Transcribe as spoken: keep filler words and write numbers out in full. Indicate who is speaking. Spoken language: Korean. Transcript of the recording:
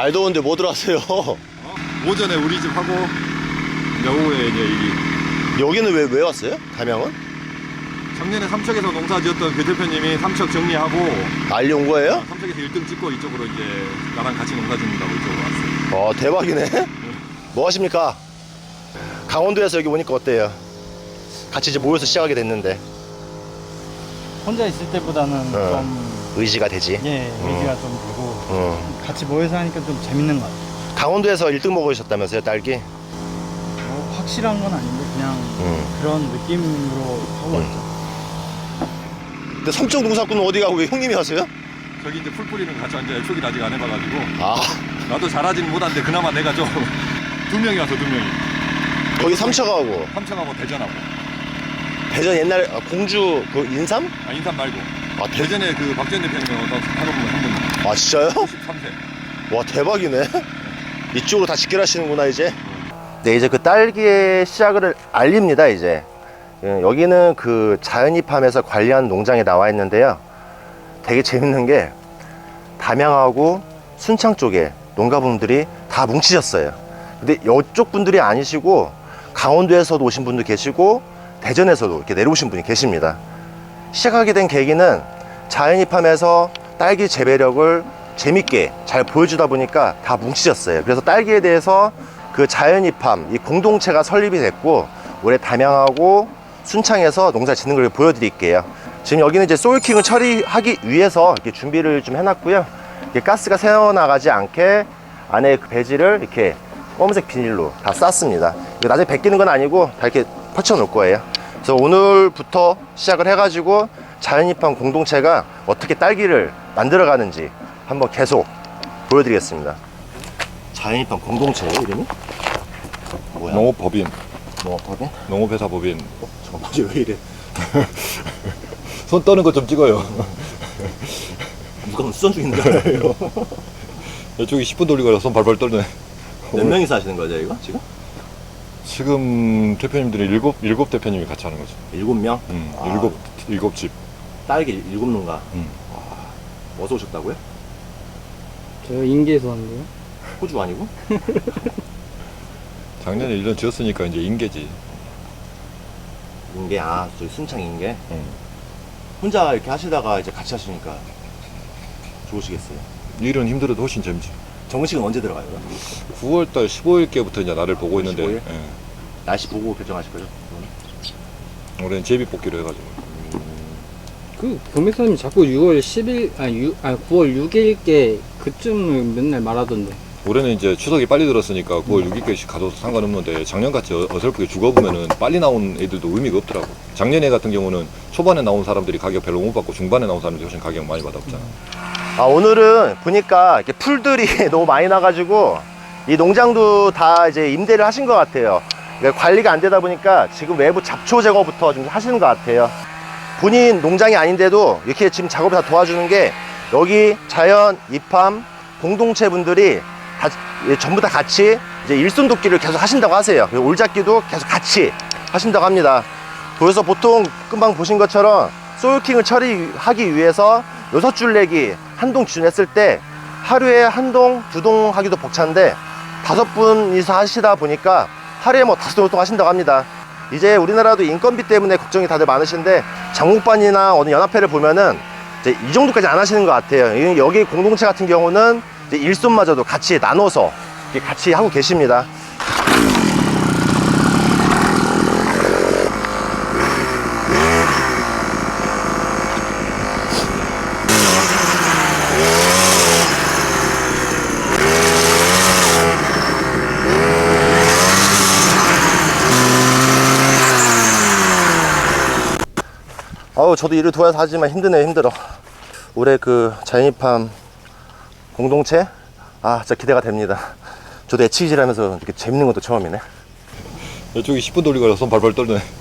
Speaker 1: 날 더운데 뭐 들어왔어요?
Speaker 2: 어? 오전에 우리 집 하고 이제 오후에 이제 이
Speaker 1: 여기는 왜, 왜 왔어요? 담양은?
Speaker 2: 작년에 삼척에서 농사 지었던 그 대표님이 삼척 정리하고
Speaker 1: 난리 온 거예요?
Speaker 2: 삼척에서 일 등 찍고 이쪽으로 이제 나랑 같이 농사 짓는다고 이쪽으로 왔어요.
Speaker 1: 어, 대박이네. 뭐 하십니까? 강원도에서 여기 오니까 어때요? 같이 이제 모여서 시작하게 됐는데
Speaker 3: 혼자 있을 때보다는
Speaker 1: 어.
Speaker 3: 좀
Speaker 1: 의지가 되지?
Speaker 3: 예, 의지가 좀 되고
Speaker 1: 어.
Speaker 3: 같이 모여서 하니까 좀 재밌는 것 같아요.
Speaker 1: 강원도에서 일 등 먹으셨다면서요, 딸기?
Speaker 3: 뭐 확실한 건 아닌데 그냥
Speaker 1: 음.
Speaker 3: 그런 느낌으로 하고
Speaker 1: 음.
Speaker 3: 왔죠.
Speaker 1: 근데 삼척 농사꾼은 어디 가고 왜 형님이 하세요?
Speaker 2: 저기 이제 풀 뿌리는 거 같이 앉아요. 초기를 아직 안 해봐가지고
Speaker 1: 아,
Speaker 2: 나도 잘하지는 못한데 그나마 내가 좀 두 명이 와서 두 명이
Speaker 1: 거기 삼척하고
Speaker 2: 삼척하고 대전하고
Speaker 1: 대전 옛날 아, 공주 그 인삼?
Speaker 2: 아 인삼 말고
Speaker 1: 아, 대...
Speaker 2: 대전에 그 박전 대표님이 와서 하는 분한
Speaker 1: 아 진짜요?
Speaker 2: 분 오십삼 세
Speaker 1: 와 대박이네. 이쪽으로 다 직결하시는구나 이제. 네, 이제 그 딸기의 시작을 알립니다. 이제 예, 여기는 그 자연입함에서 관리하는 농장에 나와 있는데요. 되게 재밌는 게 담양하고 순창 쪽에 농가분들이 다 뭉치셨어요. 근데 이쪽 분들이 아니시고 강원도에서도 오신 분도 계시고 대전에서도 이렇게 내려오신 분이 계십니다. 시작하게 된 계기는 자연입함에서 딸기 재배력을 재밌게 잘 보여주다 보니까 다 뭉치셨어요. 그래서 딸기에 대해서 그 자연입함, 이 공동체가 설립이 됐고 올해 담양하고 순창에서 농사 짓는 걸 보여드릴게요. 지금 여기는 이제 소일킹을 처리하기 위해서 이렇게 준비를 좀 해놨고요. 이렇게 가스가 새어나가지 않게 안에 그 배지를 이렇게 검은색 비닐로 다 쌌습니다. 이거 나중에 벗기는 건 아니고 다 이렇게 펼쳐 놓을 거예요. 그래서 오늘부터 시작을 해가지고 자연입함 공동체가 어떻게 딸기를 만들어가는지 한번 계속 보여드리겠습니다. 자연입함 공동체예요, 이름이? 뭐야?
Speaker 2: 농업법인
Speaker 1: 농업법인?
Speaker 2: 농업회사법인
Speaker 1: 어, 잠깐만, 왜 이래?
Speaker 2: 손 떠는 거 좀 찍어요.
Speaker 1: 누가 수전 중인 줄 알아요?
Speaker 2: 이쪽이 십 분 돌리고 손 발발 떨네.
Speaker 1: 몇 명이서 하시는 거죠, 이거 지금?
Speaker 2: 지금 대표님들이 일곱 일곱 대표님이 같이 하는 거죠.
Speaker 1: 일곱 명?
Speaker 2: 음,
Speaker 1: 아,
Speaker 2: 일곱 일곱 집.
Speaker 1: 딸기 일곱 농가.
Speaker 2: 음.
Speaker 1: 와, 어디서 오셨다고요?
Speaker 3: 저 인계에서 왔는데요.
Speaker 1: 호주 아니고?
Speaker 2: 작년에 일 년 지었으니까 이제 인계지.
Speaker 1: 인계, 아, 저기 순창 인계.
Speaker 2: 음.
Speaker 1: 혼자 이렇게 하시다가 이제 같이 하시니까 좋으시겠어요.
Speaker 2: 일은 힘들어도 훨씬 재밌지.
Speaker 1: 정식은 언제 들어가요?
Speaker 2: 구월달 십오일께부터 이제 나를 보고 있는데
Speaker 1: 십오일?
Speaker 2: 예.
Speaker 1: 날씨 보고 결정하실 거죠?
Speaker 2: 올해는 제비 뽑기로 해가지고.
Speaker 3: 그 경매사님이 자꾸 유월 십일 아니 유, 아니 구월 육일께 그쯤을 맨날 말하던데.
Speaker 2: 올해는 이제 추석이 빨리 들었으니까 구월 육일까지 가도 상관없는데 작년같이 어- 어설프게 죽어보면은 빨리 나온 애들도 의미가 없더라고. 작년에 같은 경우는 초반에 나온 사람들이 가격 별로 못 받고 중반에 나온 사람들이 훨씬 가격 많이 받았잖아.
Speaker 1: 아, 오늘은 보니까 이렇게 풀들이 너무 많이 나가지고 이 농장도 다 이제 임대를 하신 것 같아요. 그러니까 관리가 안 되다 보니까 지금 외부 잡초 제거부터 좀 하시는 것 같아요. 본인 농장이 아닌데도 이렇게 지금 작업을 다 도와주는 게 여기 자연 입함 공동체 분들이 다 전부 다 같이 이제 일손 돕기를 계속 하신다고 하세요. 그리고 올잡기도 계속 같이 하신다고 합니다. 그래서 보통 금방 보신 것처럼 소일킹을 처리하기 위해서 여섯 줄 내기 한 동 기준 했을 때 하루에 한 동, 두 동 하기도 벅찬데 다섯 분이서 하시다 보니까 하루에 뭐 다섯 동 하신다고 합니다. 이제 우리나라도 인건비 때문에 걱정이 다들 많으신데 장목반이나 어느 연합회를 보면은 이제 이 정도까지 안 하시는 것 같아요. 여기 공동체 같은 경우는 이제 일손마저도 같이 나눠서 이렇게 같이 하고 계십니다. 어우, 저도 일을 도와서 하지만 힘드네요. 힘들어. 올해 그 자연입함 공동체, 아 진짜 기대가 됩니다. 저도 애치기질 하면서 이렇게 재밌는 것도 처음이네.
Speaker 2: 이쪽이 십 분 돌리고 손 발발 떨네.